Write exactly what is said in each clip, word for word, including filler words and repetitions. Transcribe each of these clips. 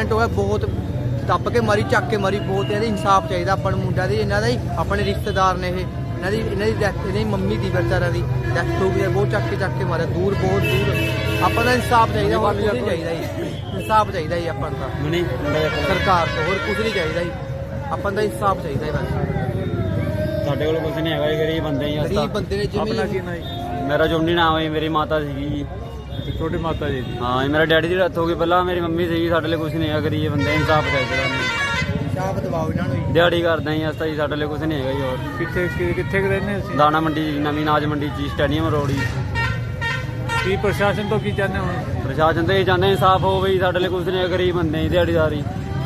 ਘੰਟੇ ਹੋ ਗਏ, ਬਹੁਤ ਦੱਬ ਕੇ ਮਾਰੀ, ਚੱਕ ਕੇ ਮਾਰੀ, ਬਹੁਤ ਇਹਦਾ ਇਨਸਾਫ ਚਾਹੀਦਾ ਆਪਾਂ ਨੂੰ। ਮੁੰਡਿਆਂ ਦੀ ਇਹਨਾਂ ਦਾ ਹੀ ਆਪਣੇ ਰਿਸ਼ਤੇਦਾਰ ਨੇ ਇਹ, ਇਹਨਾਂ ਦੀ ਇਹਨਾਂ ਦੀ ਡੈਥ, ਇਹਨਾਂ ਦੀ ਮੰਮੀ ਦੀ ਵਿਚਾਰਿਆਂ ਦੀ ਡੈਥ ਹੋ ਗਈ ਹੈ। ਬਹੁਤ ਚੱਕ ਕੇ ਚੱਕ ਕੇ ਮਾਰਿਆ, ਦੂਰ ਬਹੁਤ ਦੂਰ। ਆਪਾਂ ਦਾ ਇਨਸਾਫ ਚਾਹੀਦਾ, ਹੋਰ ਕੁਝ ਨਹੀਂ ਚਾਹੀਦਾ ਜੀ। ਇਨਸਾਫ ਚਾਹੀਦਾ ਜੀ ਆਪਾਂ ਨੂੰ ਤਾਂ ਸਰਕਾਰ ਤੋਂ, ਹੋਰ ਕੁਝ ਨਹੀਂ ਚਾਹੀਦਾ ਜੀ। ਆਪਾਂ ਦਾ ਇਨਸਾਫ ਚਾਹੀਦਾ ਹੈ ਬਸ। ਸਾਡੇ ਕੋਲ ਕੁਝ ਨਹੀਂ ਹੈਗਾ ਜੀ, ਗਰੀਬ ਬੰਦੇ ਹੀ ਗਰੀਬ ਬੰਦੇ ਨੇ। ਆਪਣਾ ਕੀ ਜਿਵੇਂ ਨਾ ਜੀ? ਮੇਰਾ ਜੋਨੀ ਨਾਮ ਹੈ, ਮੇਰੀ ਮਾਤਾ ਸੀਗੀ ਜੀ। ਛੋਟੀ ਮਾਤਾ ਜੀ? ਹਾਂ ਜੀ, ਮੇਰਾ ਡੈਡੀ ਦੀ ਡੈਥ ਹੋ ਗਈ ਪਹਿਲਾਂ, ਮੇਰੀ ਮੰਮੀ ਸੀਗੀ। ਸਾਡੇ ਲਈ ਕੁਝ ਨਹੀਂ ਹੈਗਾ, ਗਰੀਬ ਬੰਦੇ, ਇਨਸਾਫ ਚਾਹੀਦਾ। ਇਨਸਾਫ ਦਿਵਾਓ ਇਹਨਾਂ ਨੂੰ ਜੀ। ਦਿਹਾੜੀ ਕਰਦੇ ਹਾਂ ਅਸਾਂ ਜੀ, ਸਾਡੇ ਲਈ ਕੁਝ ਨਹੀਂ ਹੈਗਾ ਜੀ। ਹੋਰ ਕਿੱਥੇ ਕਿੱਥੇ ਕੁ ਰਹਿੰਦੇ ਅਸੀਂ? ਦਾਣਾ ਮੰਡੀ ਜੀ, ਨਵੀਂ ਨਾਜ ਮੰਡੀ ਜੀ, ਸਟੇਡੀਅਮ ਰੋਡ ਜੀ। ਕੀ ਪ੍ਰਸ਼ਾਸਨ ਤੋਂ ਕੀ ਚਾਹੁੰਦੇ ਹੋ? ਪ੍ਰਸ਼ਾਸਨ ਤੋਂ ਇਹ ਚਾਹੁੰਦੇ ਇਨਸਾਫ ਹੋਵੇ ਜੀ, ਸਾਡੇ ਲਈ ਕੁਝ ਨਹੀਂ ਹੈ, ਗਰੀਬ ਬੰਦੇ ਜੀ, ਦਿਹਾੜੀਦਾਰੀ।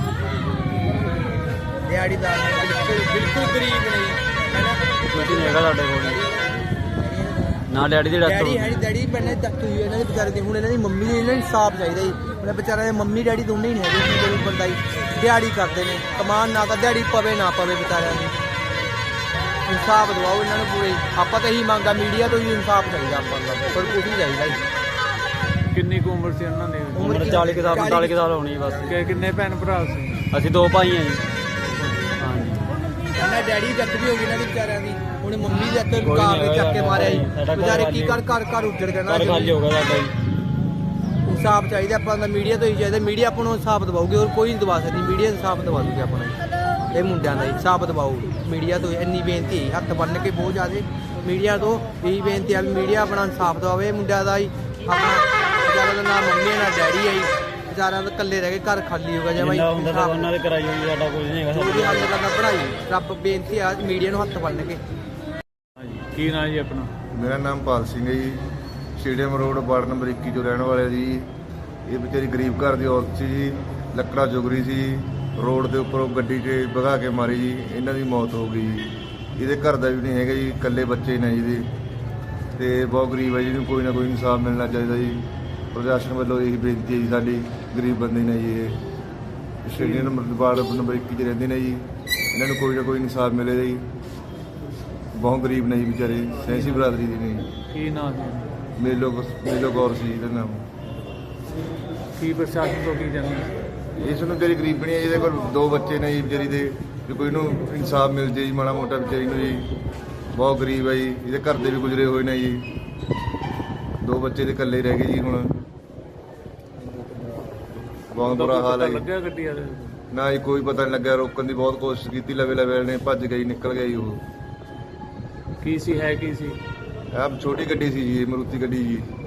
ਦਿਹਾੜੀਦਾਰ ਬਿਲਕੁਲ ਬਿਲਕੁਲ ਗਰੀਬ ਨਹੀਂ ਕੁਝ ਨਹੀਂ ਹੈਗਾ ਸਾਡੇ ਕੋਲ ਨਾ। ਡੈਡੀ ਦੀ ਡੈਥ ਹੋ ਡੈਡੀ ਗਈ। ਹੈ ਡੈਡੀ ਪਹਿਲਾਂ ਡੈਥ ਹੋਈ ਇਹਨਾਂ ਦੇ ਵਿਚਾਰੇ ਦੀ। ਹੁਣ ਇਹਨਾਂ ਦੀ ਮੰਮੀ ਦੀ, ਇਹਨਾਂ ਨੂੰ ਇਨਸਾਫ ਚਾਹੀਦਾ ਜੀ। ਉਹਨਾਂ ਵਿਚਾਰਿਆਂ ਦੇ ਮੰਮੀ ਡੈਡੀ ਦੋਨੇ ਹੀ ਨਹੀਂ ਹੈਗੇ, ਗਰੀਬ ਬੰਦਾ ਜੀ। ਦਿਹਾੜੀ ਕਰਦੇ ਨੇ, ਕਮਾਨ ਨਾ ਤਾਂ ਦਿਹਾੜੀ ਪਵੇ ਨਾ ਪਵੇ ਵਿਚਾਰਿਆਂ ਨੂੰ। ਇਨਸਾਫ ਦਿਵਾਓ ਇਹਨਾਂ ਨੂੰ ਪੂਰੇ। ਆਪਾਂ ਤਾਂ ਇਹੀ ਮੰਗਦਾ, ਮੀਡੀਆ ਤੋਂ ਹੀ ਇਨਸਾਫ ਚਾਹੀਦਾ ਆਪਾਂ ਨੂੰ, ਪਰ ਕੁਝ ਨਹੀਂ ਚਾਹੀਦਾ ਜੀ। ਕਿੰਨੀ ਕੁ ਉਮਰ ਸੀ ਉਹਨਾਂ ਦੀ? ਉਮਰ ਚਾਲੀ ਕੁ ਸਾਲ, ਪੰਤਾਲੀ ਕੁ ਸਾਲ ਹੋਣੀ ਬਸ। ਕਿ ਕਿੰਨੇ ਭੈਣ ਭਰਾ ਸੀ? ਅਸੀਂ ਦੋ ਭਾਈ ਹਾਂ ਜੀ। ਹਾਂਜੀ। ਇਹਨਾਂ ਡੈਡੀ ਦੀ ਡੈਥ ਵੀ ਹੋ ਗਈ ਇਹਨਾਂ ਦੀ ਵਿਚਾਰਿਆਂ ਦੀ। ਹੁਣ ਮੰਮੀ ਦੇ ਹੱਥ ਕਾਰ ਨੇ ਚੱਕ ਕੇ ਮਾਰਿਆ ਜੀ। ਵਿਚਾਰੇ ਕੀ ਕਰ ਘਰ ਘਰ ਉੱਜੜ ਗਏ ਨਾ। ਘਰ ਖਾਲੀ ਹੋ ਗਿਆ ਸਾਡਾ ਜੀ। ਇਨਸਾਫ ਚਾਹੀਦਾ ਆਪਾਂ ਦਾ, ਮੀਡੀਆ ਤੋਂ ਹੀ ਚਾਹੀਦਾ। ਮੀਡੀਆ ਆਪਾਂ ਨੂੰ ਇਨਸਾਫ ਦਿਵਾਉਗੀ, ਹੋਰ ਕੋਈ ਨਹੀਂ ਦਿਵਾ ਸਕਦੀ। ਮੀਡੀਆ ਇਨਸਾਫ ਦਿਵਾ ਦੂਗੀ ਆਪਾਂ ਨੂੰ। ਇਹ ਮੁੰਡਿਆਂ ਦਾ ਇਨਸਾਫ ਦਿਵਾਓ ਮੀਡੀਆ ਤੋਂ, ਇੰਨੀ ਬੇਨਤੀ ਹੈ। ਹੱਥ ਬੰਨ੍ਹ ਕੇ ਬਹੁਤ ਜ਼ਿਆਦਾ ਮੀਡੀਆ ਤੋਂ ਇਹੀ ਬੇਨਤੀ ਹੈ ਵੀ ਮੀਡੀਆ ਆਪਣਾ ਇਨਸਾਫ ਦਿਵਾਵੇ। ਇਹ ਮੁੰਡਿਆਂ ਦਾ ਹੀ ਆਪਣਾ ਵਿਚਾਰਿਆਂ ਦਾ ਨਾ ਮੰਮੀ ਹੈ ਨਾ ਡੈਡੀ ਹੈ ਜੀ। ਵਿਚਾਰਿਆਂ ਦਾ ਇਕੱਲੇ ਰਹਿ ਕੇ ਘਰ ਖਾਲੀ ਹੋ ਗਿਆ ਜਿਵੇਂ ਉਹਨਾਂ ਦੇ ਕਰਾਈ ਹੋਈ, ਸਾਡਾ ਕੁਝ ਨਹੀਂ ਹੈਗਾ। ਜੋ ਵੀ ਹੱਲ ਕਰਨਾ ਪੜ੍ਹਾਈ, ਰੱਬ ਬੇਨਤੀ ਆ ਮੀਡੀਆ ਨੂੰ ਹੱਥ ਬੰਨ੍ਹ ਕੇ। ਕੀ ਨਾਂ ਜੀ ਆਪਣਾ? ਮੇਰਾ ਨਾਮ ਪਾਲ ਸਿੰਘ ਹੈ ਜੀ। ਸਟੇਡੀਅਮ ਰੋਡ ਵਾਰਡ ਨੰਬਰ ਇੱਕੀ ਤੋਂ ਰਹਿਣ ਵਾਲੇ ਜੀ। ਇਹ ਵਿਚਾਰੀ ਗਰੀਬ ਘਰ ਦੀ ਔਰਤ ਸੀ ਜੀ, ਲੱਕੜਾ ਚੁਗਰੀ ਸੀ। ਰੋਡ ਦੇ ਉੱਪਰੋਂ ਗੱਡੀ 'ਚ ਭਗਾ ਕੇ ਮਾਰੀ ਜੀ, ਇਹਨਾਂ ਦੀ ਮੌਤ ਹੋ ਗਈ ਜੀ। ਇਹਦੇ ਘਰ ਦਾ ਵੀ ਨਹੀਂ ਹੈਗਾ ਜੀ, ਇਕੱਲੇ ਬੱਚੇ ਨੇ ਜੀ ਇਹਦੇ, ਤੇ ਬਹੁਤ ਗਰੀਬ ਹੈ ਜੀ। ਇਹਨੂੰ ਕੋਈ ਨਾ ਕੋਈ ਇਨਸਾਫ ਮਿਲਣਾ ਚਾਹੀਦਾ ਜੀ। ਪ੍ਰਸ਼ਾਸਨ ਵੱਲੋਂ ਇਹੀ ਬੇਨਤੀ ਹੈ ਜੀ ਸਾਡੀ। ਗਰੀਬ ਬੰਦੇ ਨੇ ਜੀ ਇਹ, ਸਟੇਡੀਅਮ ਨੰਬਰ ਵਾਰਡ ਨੰਬਰ ਇੱਕੀ 'ਚ ਰਹਿੰਦੇ ਨੇ ਜੀ। ਇਹਨਾਂ ਨੂੰ ਕੋਈ ਨਾ ਕੋਈ ਇਨਸਾਫ ਮਿਲੇ ਜੀ। ਬਹੁਤ ਗਰੀਬ ਨੇ ਜੀ ਵਿਚਾਰੇ, ਸੈਂਸੀ ਬਰਾਦਰੀ ਦੇ ਨੇ। ਕੀ ਨਾਂ ਸੀ? ਮੇਲੋ ਮੇਲੋ ਕੌਰ ਸੀ ਇਹਦਾ ਨਾਮ। ਕੀ ਪ੍ਰਸ਼ਾਸਨ ਤੋਂ ਕੀ ਚਾਹੁੰਦੇ? ਇਸ ਨੂੰ ਤੇਰੀ ਗਰੀਬਣੀ ਹੈ, ਜਿਹਦੇ ਕੋਲ ਦੋ ਬੱਚੇ ਨੇ ਜੀ ਵਿਚਾਰੀ ਦੇ, ਵੀ ਕੋਈ ਨੂੰ ਇਨਸਾਫ ਮਿਲ ਜੇ ਜੀ ਮਾੜਾ ਮੋਟਾ ਵਿਚਾਰੀ ਨੂੰ ਜੀ। ਬਹੁਤ ਗਰੀਬ ਹੈ ਜੀ, ਇਹਦੇ ਘਰ ਦੇ ਵੀ ਗੁਜ਼ਰੇ ਹੋਏ ਨੇ ਜੀ। ਦੋ ਬੱਚੇ ਦੇ ਇਕੱਲੇ ਰਹਿ ਗਏ ਜੀ। ਹੁਣ ਬਹੁਤ ਬੁਰਾ ਹਾਲ ਹੈ ਜੀ। ਲੱਗਿਆ ਗੱਡੀ ਵਾਲੇ ਨਾ ਜੀ ਕੋਈ ਪਤਾ ਨਹੀਂ ਲੱਗਿਆ, ਰੋਕਣ ਦੀ ਬਹੁਤ ਕੋਸ਼ਿਸ਼ ਕੀਤੀ, ਲਵੇ ਲਵੇ ਨੇ ਭੱਜ ਗਈ, ਨਿਕਲ ਗਿਆ ਜੀ ਉਹ। ਕੀ ਸੀ, ਹੈ ਕੀ ਸੀ? ਆਹ ਛੋਟੀ ਗੱਡੀ ਸੀ ਜੀ, ਮਾਰੂਤੀ ਗੱਡੀ ਜੀ।